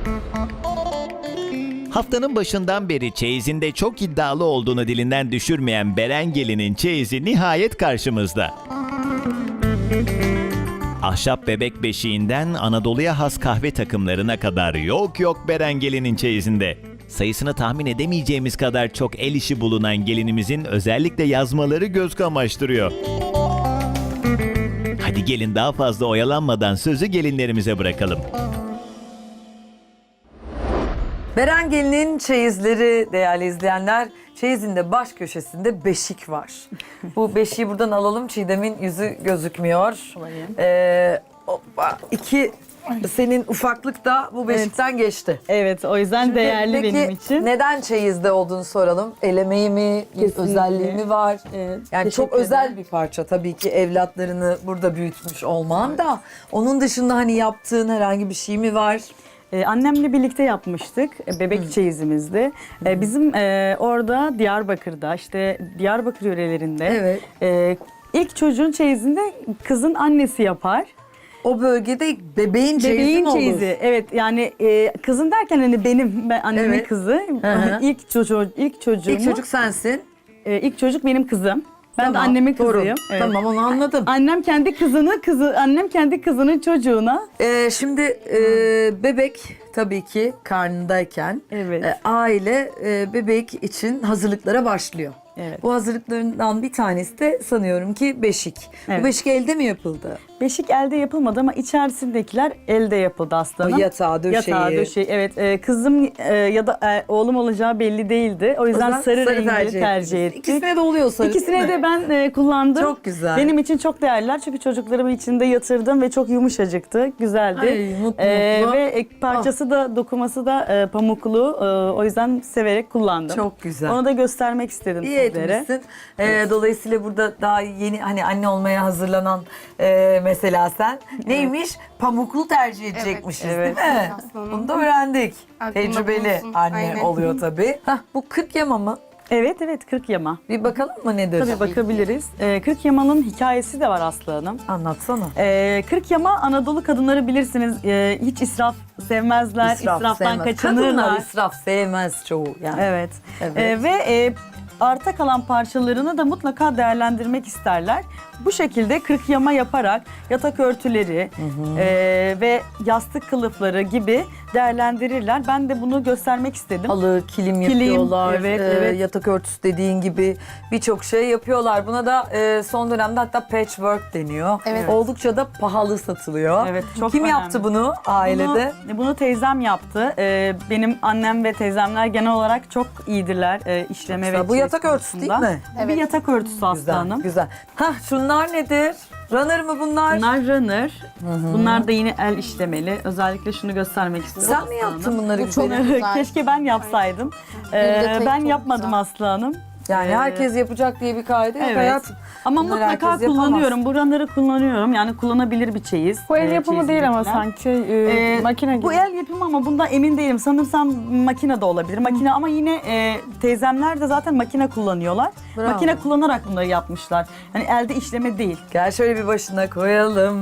Haftanın başından beri çeyizinde çok iddialı olduğunu dilinden düşürmeyen Beren Gelin'in çeyizi nihayet karşımızda. Ahşap bebek beşiğinden Anadolu'ya has kahve takımlarına kadar yok yok Beren Gelin'in çeyizinde. Sayısını tahmin edemeyeceğimiz kadar çok el işi bulunan gelinimizin özellikle yazmaları göz kamaştırıyor. Hadi gelin daha fazla oyalanmadan sözü gelinlerimize bırakalım. Beren Gelin'in çeyizleri değerli izleyenler. Çeyizinde baş köşesinde beşik var. Bu beşiği buradan alalım. Çiğdem'in yüzü gözükmüyor. Hoppa. Senin ufaklık da bu beşikten geçti. Evet, o yüzden Şimdi değerli peki, benim için. neden çeyizde olduğunu soralım. El emeği mi, bir Kesinlikle. özelliği mi var? Evet, Yani çok teşekkür özel ederim. bir parça tabii ki evlatlarını burada büyütmüş olman da. Onun dışında hani yaptığın herhangi bir şey mi var? Annemle birlikte yapmıştık. Bebek çeyizimizdi. Bizim orada Diyarbakır'da, işte Diyarbakır yörelerinde ilk çocuğun çeyizinde kızın annesi yapar. O bölgede bebeğin çeyizi Bebeğin mi olur? çeyizi. Evet, yani kızın derken hani ben annemin Evet. kızı. Hı. İlk çocuğumu. İlk çocuk sensin. İlk çocuk benim kızım. Ben de Tamam, annemin torun. kızıyım. Evet. Tamam, onu anladım. Annem kendi kızının çocuğuna. Şimdi bebek tabii ki karnındayken Evet. aile bebek için hazırlıklara başlıyor. Evet. Bu hazırlıklarından bir tanesi de sanıyorum ki beşik. Evet. Bu beşik elde mi yapıldı? Beşik elde yapılmadı ama içerisindekiler elde yapıldı aslanım. O yatağı, döşeği. Yatağı, döşeği. Evet, kızım ya da oğlum olacağı belli değildi. O yüzden sarı rengi tercih ettik. İkisine de oluyor sarı. İkisine de ben kullandım. Çok güzel. Benim için çok değerliler çünkü çocuklarımı içinde yatırdım ve çok yumuşacıktı, güzeldi. Ay, mutlu. Ve parçası da, dokuması da pamuklu. O yüzden severek kullandım. Çok güzel. Onu da göstermek istedim İyi sizlere. etmişsin. Dolayısıyla burada daha yeni hani anne olmaya hazırlanan mesela sen neymiş? Pamuklu tercih edecekmişiz Evet. değil mi? Aslanım. Bunu da öğrendik. Aklımda Tecrübeli bulunsun. anne Aynen. oluyor tabii. Bu 40 yama mı? Evet, 40 yama. Bir bakalım mı nedir? Tabii bakabiliriz. 40 yamanın hikayesi de var Aslı Hanım. Anlatsana. 40 yama Anadolu kadınları bilirsiniz hiç israf sevmezler, israftan sevmez. kaçınırlar. Kadınlar israf sevmez çoğu yani. Evet. Evet. Ve arta kalan parçalarını da mutlaka değerlendirmek isterler. Bu şekilde 40 yama yaparak yatak örtüleri ve yastık kılıfları gibi değerlendirirler. Ben de bunu göstermek istedim. Halı, kilim yapıyorlar, evet. yatak örtüsü dediğin gibi birçok şey yapıyorlar. Buna da son dönemde hatta patchwork deniyor. Evet. Oldukça da pahalı satılıyor. Evet, çok Kim önemli. yaptı bunu ailede? Bunu teyzem yaptı. Benim annem ve teyzemler genel olarak çok iyidirler işleme ve Bu yatak çeyiz örtüsü değil konusunda. mi? Bu bir Evet. yatak örtüsü Aslı Hanım. Güzel. Şunlar nedir? Runner mı bunlar? Bunlar runner. Bunlar da yine el işlemeli. Özellikle şunu göstermek istiyorum. Sen mi yaptın bunları Bu çok güzelim? güzel. Keşke ben yapsaydım. detayı Ben çok yapmadım güzel. Aslı Hanım. Yani herkes yapacak diye bir kaide yok Evet. hayatım. Ama Bunları mutlaka herkes yapamaz. kullanıyorum. Bu runner'ı kullanıyorum. Yani kullanabilir bir çeyiz. Bu el yapımı değil ama çeyizindekiler. sanki makine gibi. Bu el yapımı ama bundan emin değilim. Sanırsam makine de olabilir. Makine ama yine teyzemler de zaten makine kullanıyorlar. Bravo. Makine kullanarak bunları yapmışlar. Yani elde işleme değil. Gel şöyle bir başına koyalım.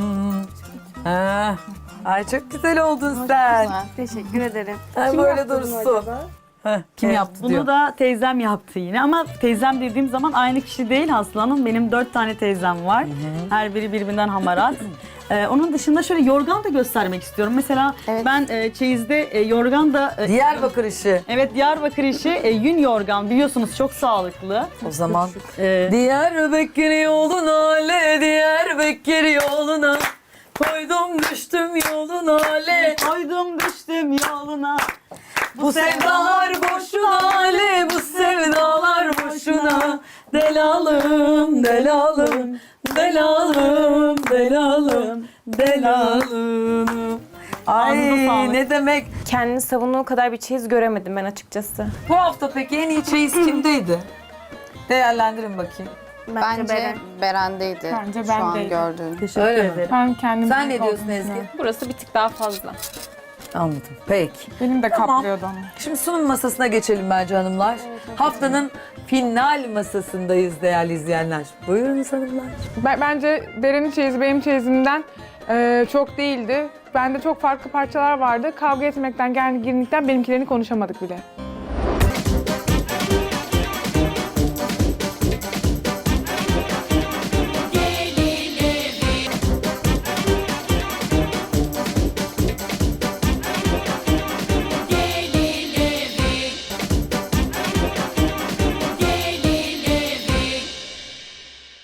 Ay çok güzel oldun sen. Güzel. Teşekkür ederim. Ay, böyle dursun. Kim yaptı Bunu diyor. da teyzem yaptı yine ama teyzem dediğim zaman aynı kişi değil Aslı Hanım. Benim 4 tane teyzem var. Her biri birbirinden hamarat. Onun dışında şöyle yorgan da göstermek istiyorum. Mesela Evet. ben çeyizde yorgan da... Diyarbakır işi. Evet, Diyarbakır işi yün yorgan biliyorsunuz çok sağlıklı. O zaman E, Diyarbakır yoluna le, Diyarbakır yoluna koydum düştüm yoluna le. Koydum düştüm yoluna. Bu sevdalar boşuna le, bu sevdalar boşuna. Delalım, delalım, delalım, delalım, delalım. Ay Ağzına sağlık. ne demek. Kendini savunduğu kadar bir çeyiz göremedim ben açıkçası. Bu hafta peki en iyi çeyiz kimdeydi? Değerlendirin bakayım. Bence Beren'deydi. Bence Şu an bendeydi. gördüğüm. Teşekkür Öyle mi? ederim. Ben kendim Sen ne diyorsun Ezgi? Burası bir tık daha fazla. Anladım. Peki. Benim de Tamam. kaplıyordu onu. Şimdi sunum masasına geçelim bence hanımlar. Haftanın final masasındayız değerli izleyenler. Buyurunuz hanımlar. Bence Beren'in çeyizi benim çeyizimden Çok değildi. Bende çok farklı parçalar vardı. Kavga etmekten, gerginlikten benimkilerini konuşamadık bile.